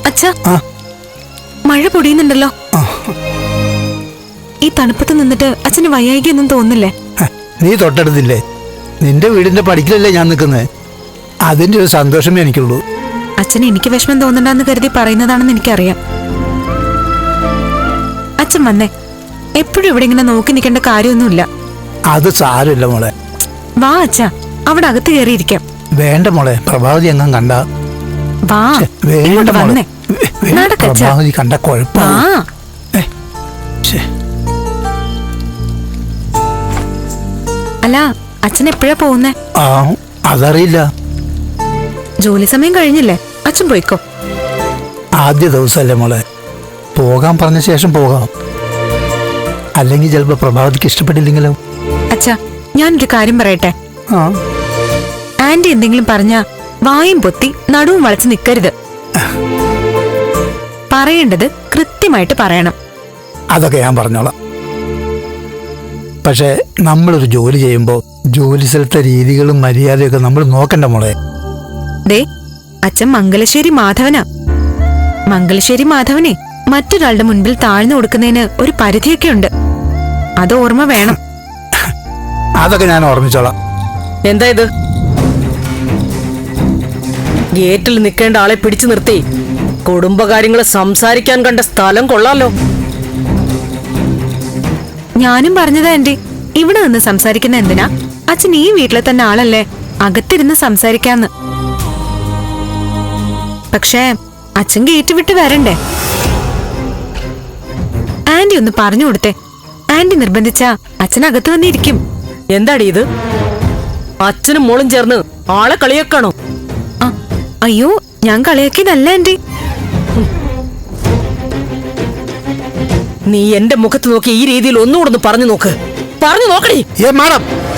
അച്ഛാ, മഴ പൊടിയുന്നുണ്ടല്ലോ. ഈ തണുപ്പത്ത് നിന്നിട്ട് അച്ഛന് വയ്യായികൊന്നും തോന്നില്ലേ? നീ തൊട്ടടുത്തില്ലേ, നിന്റെ വീടിന്റെ പടിക്കലല്ലേ ഞാൻ നിൽക്കുന്നത്. അതിന്റെ ഒരു സന്തോഷമേ എനിക്കുള്ളൂ. അച്ഛന് എനിക്ക് വിഷമം തോന്നണ്ടെന്ന് കരുതി പറയുന്നതാണെന്ന് എനിക്കറിയാം. അച്ഛൻ വന്നേ, എപ്പോഴും ഇവിടെ ഇങ്ങനെ നോക്കി നിൽക്കേണ്ട കാര്യമൊന്നുമില്ല. അത് സാരമില്ല മോളെ. വാ അച്ഛാ, അവിടെ അകത്ത് കയറിയിരിക്കാം. വേണ്ട മോളെ, പ്രഭാവതി എങ്ങും കണ്ട. വാ, വേണ്ട മോളെ, പ്രഭാവതി കണ്ട കുഴപ്പം. അല്ല, അച്ഛൻ എപ്പോഴാ പോകുന്നേ? അതറിയില്ല. ജോലി സമയം കഴിഞ്ഞില്ലേ? അച്ഛൻ പോയിക്കോ. ആദ്യ ദിവസമല്ലേ മോളെ, പോകാൻ പറഞ്ഞ ശേഷം പോകാം. അല്ലെങ്കിൽ ചിലപ്പോ പ്രഭാവതിക്ക് ഇഷ്ടപ്പെട്ടില്ലെങ്കിലോ? അച്ഛാ, ഞാനൊരു കാര്യം പറയട്ടെ. ആന്റി എന്തെങ്കിലും പറഞ്ഞ വായും പൊത്തി നടുവും വളച്ച് നിൽക്കരുത്. പറയേണ്ടത് കൃത്യമായിട്ട് പറയണം. അതൊക്കെ ഞാൻ പറഞ്ഞോളാം. പക്ഷെ നമ്മളൊരു ജോലി ചെയ്യുമ്പോൾ ജോലി സ്ഥലത്തെ രീതികളും മര്യാദയൊക്കെ നമ്മൾ നോക്കണ്ട മോളെ. ദേ, അച്ഛൻ മംഗലശ്ശേരി മാധവനാ. മംഗലശ്ശേരി മാധവനെ മറ്റൊരാളുടെ മുൻപിൽ താഴ്ന്നു കൊടുക്കുന്നതിന് ഒരു പരിധിയൊക്കെ ഉണ്ട്. അത് ഓർമ്മ വേണം. അതൊക്കെ ഞാൻ ഓർമ്മിച്ചോളാം. എന്താ ഇത്? ഗേറ്റിൽ നിൽക്കേണ്ട ആളെ പിടിച്ചു നിർത്തി കുടുംബകാര്യങ്ങൾ സംസാരിക്കാൻ കണ്ട സ്ഥലം കൊള്ളാലോ. ഞാനും പറഞ്ഞതാ ആന്റി, ഇവിടെ നിന്ന് സംസാരിക്കുന്ന എന്തിനാ? അച്ഛൻ ഈ വീട്ടിലെ തന്നെ ആളല്ലേ, അകത്തിരുന്ന് സംസാരിക്കാന്ന്. പക്ഷേ അച്ഛൻ ഗേറ്റ് വിട്ട് വരണ്ടേ? ആന്റി ഒന്ന് പറഞ്ഞു കൊടുത്തേ. ആന്റി നിർബന്ധിച്ചാ അച്ഛൻ അകത്ത് വന്നിരിക്കും. എന്താടി ഇത്? അച്ഛനും മോളും ചേർന്ന് ആളെ കളിയാക്കാണോ? അയ്യോ, ഞാൻ കളിയാക്കിയതല്ല ആന്റി. നീ എന്റെ മുഖത്ത് നോക്കി ഈ രീതിയിൽ ഒന്നുകൂടെ പറഞ്ഞു നോക്ക്. പറഞ്ഞു നോക്കണേ. മാഡം,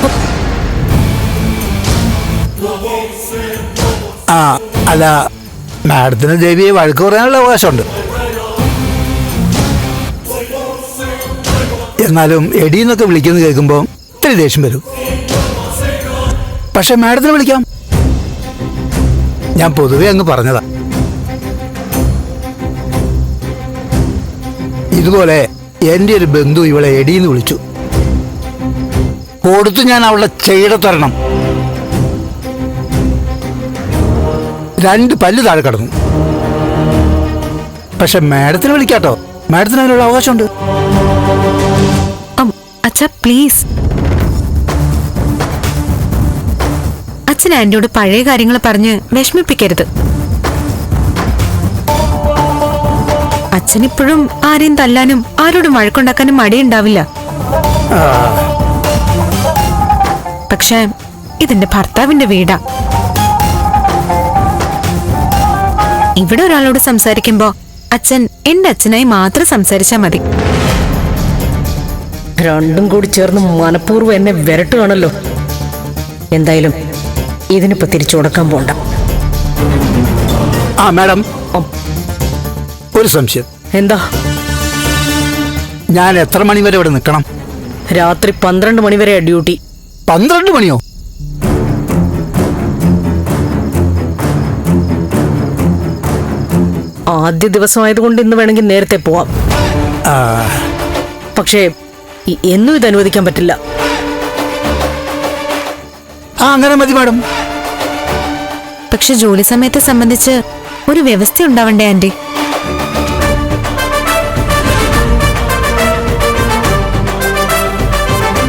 അല്ല, മാഡത്തിന് ദേവിയെ വഴക്ക് പറയാനുള്ള അവകാശമുണ്ട്. എന്നാലും എടീന്നൊക്കെ വിളിക്കുന്നത് കേൾക്കുമ്പോൾ ഇത്തിരി ദേഷ്യം വരും. പക്ഷെ മാഡത്തിന് വിളിക്കാം. ഞാൻ പൊതുവെ അങ്ങ് പറഞ്ഞതാ. ഇതുപോലെ എൻ്റെ ഒരു ബന്ധു ഇവളെ എടീന്ന് വിളിച്ചു. കൊടുത്തു ഞാൻ അവളുടെ ചെയ്യടത്തരണം. 2 പല്ല് താഴെ കടന്നു. പക്ഷെ മാഡത്തിന് വിളിക്കാട്ടോ, മാഡത്തിന് അതിനുള്ള അവകാശമുണ്ട്. അച്ഛാ പ്ലീസ്. അച്ഛൻ ആന്റിയോട് പഴയ കാര്യങ്ങൾ പറഞ്ഞ് വിഷമിപ്പിക്കരുത്. അച്ഛനിപ്പോഴും ആരെയും തല്ലാനും ആരോടും വഴക്കുണ്ടാക്കാനും മടിയുണ്ടാവില്ല. പക്ഷെ ഇതെന്റെ ഭർത്താവിന്റെ വീടാ. ഇവിടെ ഒരാളോട് സംസാരിക്കുമ്പോ അച്ഛൻ എന്റെ അച്ഛനായി മാത്രം സംസാരിച്ചാ മതി. രണ്ടും കൂടി ചേർന്ന് മനഃപൂർവ്വം എന്നെ വിരട്ടുകയാണല്ലോ. എന്തായാലും ഇതിനിപ്പോ തിരിച്ചു കൊടുക്കാൻ പോണ്ട. മാഡം, ഒരു സംശയം. എന്താ? ഞാൻ എത്ര മണി വരെ ഇവിടെ നിൽക്കണം? രാത്രി 12 മണി വരെയാ ഡ്യൂട്ടി. 12 മണിയോ? ആദ്യ ദിവസമായതുകൊണ്ട് ഇന്ന് വേണമെങ്കിൽ നേരത്തെ പോവാം. പക്ഷേ എന്നും ഇത് അനുവദിക്കാൻ പറ്റില്ല. അങ്ങനെ മതി മാഡം. പക്ഷെ ജോലി സമയത്തെ സംബന്ധിച്ച് ഒരു വ്യവസ്ഥ ഉണ്ടാവണ്ടേ ആന്റി?